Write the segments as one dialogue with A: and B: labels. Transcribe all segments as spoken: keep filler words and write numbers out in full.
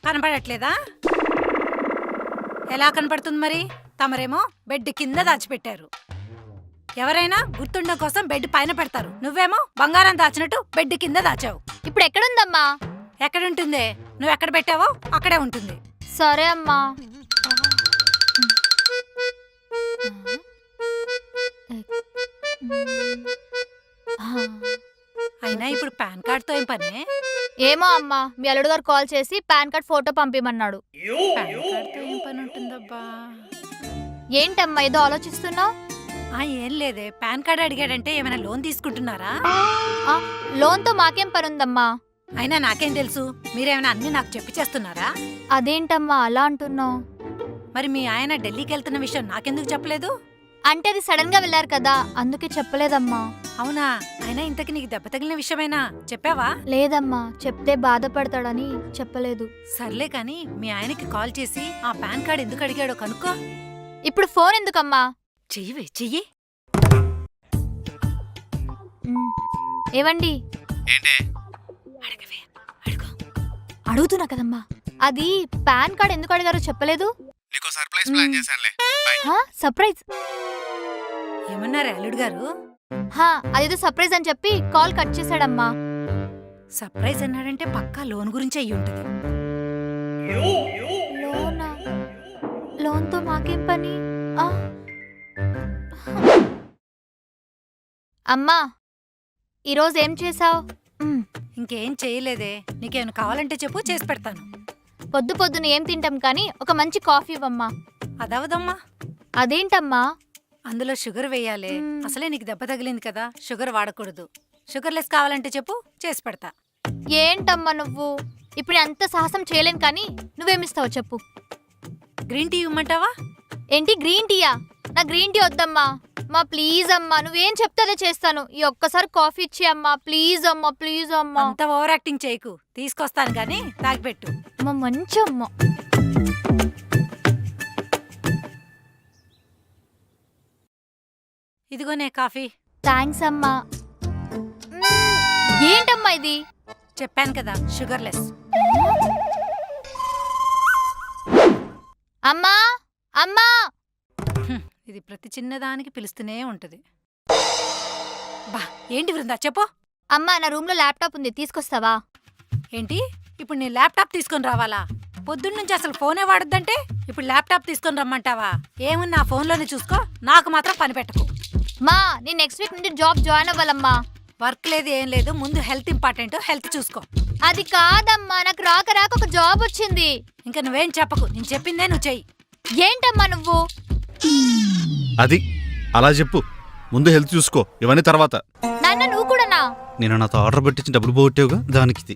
A: కనపడట్లేదా? ఎలా కనపడుతుంది మరి? తమరేమో బెడ్ కింద దాచిపెట్టారు. ఎవరైనా గుర్తుండడం కోసం బెడ్ పైన పెడతారు, నువ్వేమో బంగారం దాచినట్టు బెడ్ కింద దాచావు.
B: ఇప్పుడు ఎక్కడుందమ్మా?
A: ఎక్కడుంటుందే? నువ్వు ఎక్కడ పెట్టావో అక్కడే ఉంటుంది.
B: సరే అమ్మా.
A: అయినా ఇప్పుడు పాన్ కార్డ్తో ఏం పనే?
B: ఏమో అమ్మా, మీ అల్లుడు గారు కాల్ చేసి పాన్ కార్డ్ ఫోటో పంపిమన్నాడు.
A: పాన్ కార్డ్తో ఏం పని ఉంటుందబ్బా?
B: ఏంటమ్మా ఏదో ఆలోచిస్తున్నావు?
A: ఆ ఏం లేదే, పాన్ కార్డ్ అడిగాడంటే ఏమైనా లోన్ తీసుకుంటున్నారా?
B: లోన్ తో మాకేం పని ఉందమ్మా?
A: అయినా నాకేం తెలుసు, మీరేమైనా అన్ని నాకు చెప్పి చేస్తున్నారా?
B: అదేంటమ్మా అలా అంటున్నావు?
A: మరి మీ ఆయన ఢిల్లీకి వెళ్తున్న విషయం నాకెందుకు చెప్పలేదు?
B: అంటే అది సడన్ గా వెళ్ళారు కదా, అందుకే చెప్పలేదమ్మా.
A: అవునా? అయినా ఇంతకి నీకు దెబ్బ తగిలిన విషయమైనా చెప్పావా?
B: లేదమ్మా, చెప్తే బాధపడతాడని చెప్పలేదు.
A: సర్లే కాని మీ ఆయనకి కాల్ చేసి ఆ పాన్ కార్డ్ ఎందుకు అడిగాడో కనుక్కో.
B: ఇప్పుడు ఫోన్ ఎందుకమ్మా?
A: చెయ్యి చెయ్యి.
B: ఏవండి?
A: అడగవే, అడుగు.
B: అడుగుతున్నా కదమ్మా. అది పాన్ కార్డ్ ఎందుకు అడిగారో చెప్పలేదు. సర్ప్రైజ్
A: ఏమన్నారు అల్లుడు గారు?
B: అదేదో సర్ప్రైజ్ అని చెప్పి కాల్ కట్ చేశాడమ్మా.
A: సర్ప్రైజ్ అన్నాడంటే పక్కా లోన్ గురించి అయ్యి ఉంటది.
B: లోనా? లోన్ తో మాకేం పని? అమ్మా ఈరోజు ఏం చేసావు?
A: ఇంకేం చేయలేదే, నీకేమైనా కావాలంటే చెప్పు, చేసి పెడతాను.
B: పొద్దు పొద్దున ఏం తింటాం కానీ ఒక మంచి కాఫీ ఇవ్వమ్మా.
A: అదవదమ్మా.
B: అదేంటమ్మా?
A: అందులో షుగర్ వేయాలి. అసలే నీకు దెబ్బ తగిలింది కదా, షుగర్ వాడకూడదు. షుగర్ లెస్ కావాలంటే చెప్పు, చేసి పెడతా.
B: ఏంటమ్మా నువ్వు? ఇప్పుడు అంత సాహసం చేయలేను కానీ నువ్వేమిస్తావు చెప్పు.
A: గ్రీన్ టీ ఇవ్వమంటావా?
B: ఏంటి గ్రీన్ టీయా? నా గ్రీన్ టీ వద్దమ్మా. మా ప్లీజ్ అమ్మా, నువ్వేం చెప్తే అదే చేస్తాను. ఈ ఒక్కసారి కాఫీ ఇచ్చి అమ్మా, ప్లీజ్ అమ్మా, ప్లీజ్ అమ్మా.
A: అంత ఓవర్ యాక్టింగ్ చేయకు, తీసుకొస్తాను గానీ తాగిపెట్టు.
B: అమ్మా మంచి అమ్మ.
A: ఇదిగోనే కాఫీ.
B: థ్యాంక్స్ అమ్మా. ఏంటమ్మా ఇది?
A: చెప్పాను కదా, షుగర్ లెస్.
B: అమ్మా అమ్మా.
A: ఇది ప్రతి చిన్నదానికి పిలుస్తూనే ఉంటది. బా ఏంటి వృందా చెప్పు.
B: అమ్మా నా రూమ్ లో ల్యాప్టాప్ ఉంది, తీసుకొస్తావా?
A: ఏంటి ఇప్పుడు నీ ల్యాప్టాప్ తీసుకొని రావాలా? పొద్దున్నుంచి అసలు ఫోనే వాడొద్దంటే ఇప్పుడు ల్యాప్టాప్ తీసుకొని రమ్మంటావా? ఏముంది నా ఫోన్లోనే చూసుకో, నాకు మాత్రం పని పెట్టకు.
B: మా నేను నెక్స్ట్ వీక్ నుండి జాబ్ జాయిన్ అవ్వాలమ్మా.
A: వర్క్ లేదు ఏం లేదు, ముందు హెల్త్ ఇంపార్టెంట్, హెల్త్ చూసుకో.
B: అది కాదమ్మా, నాకు రాక రాక ఒక జాబ్ వచ్చింది.
A: ఇంకా నువ్వేం చెప్పకు, నేను చెప్పిందే నువ్వు చెయ్యి.
B: ఏంటమ్మా నువ్వు?
C: అది అలా చెప్పు, ముందు హెల్త్ చూసుకో, ఇవన్నీ తర్వాత.
B: నాన్న నువ్వు కూడానా?
C: నేను నాతో ఆర్డర్ పెట్టించి డబ్బులు పోగొట్టేవుగా, దానికి.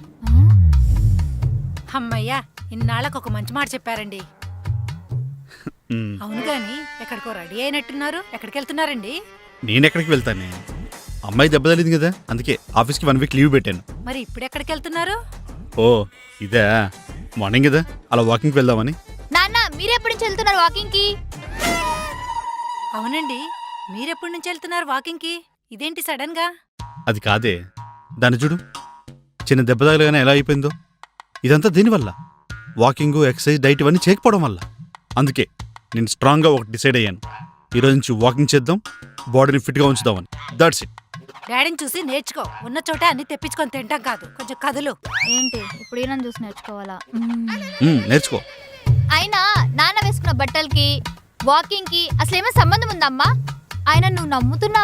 A: అమ్మయ్యా, ఇన్నాళ్ళకు ఒక మంచి మాట చెప్పారండి. అవును గాని ఎక్కడికో రెడీ అయినట్టున్నారు, ఎక్కడికి వెళ్తున్నారండి?
C: నేనెక్కడికి వెళ్తానే, అమ్మాయి దెబ్బ తగిలింది కదా, అందుకే ఆఫీస్కి వన్ వీక్ లీవ్ పెట్టాను.
A: మరి ఇప్పుడు ఎక్కడికి వెళ్తున్నారు?
C: ఓ ఇదే, మార్నింగ్ కదా అలా వాకింగ్కి వెళ్దామని.
B: నాన్న మీరెప్పటి నుంచి వెళ్తున్నారు వాకింగ్ కి?
A: అవునండి, మీరెప్పటి నుంచి వెళ్తున్నారు వాకింగ్ కి? ఇదేంటి సడన్ గా?
C: అది కాదే, దాన్ని చూడు, చిన్న దెబ్బ తగలగానే ఎలా అయిపోయిందో. ఇదంతా దీనివల్ల, వాకింగ్, ఎక్సర్సైజ్, డైట్ ఇవన్నీ చేయకపోవడం వల్ల. అందుకే నేను స్ట్రాంగ్గా ఒకటి డిసైడ్ అయ్యాను, ఈరోజు నుంచి వాకింగ్ చేద్దాం, బాడీని ఫిట్గా ఉంచుదామని. That's it.
A: డాడీని చూసి నేర్చుకో, ఉన్న చోట అన్ని తెప్పించుకొని తింటాం కాదు, కొంచెం కదులు.
B: ఏంటి ఇప్పుడు ఈయన చూసి నేర్చుకోవాలా?
C: నేర్చుకో.
B: అయినా నాన్న వేసుకున్న బట్టలకి వాకింగ్ కి అసలు ఏమైనా సంబంధం ఉందమ్మా? ఆయన నువ్వు నమ్ముతున్నావు?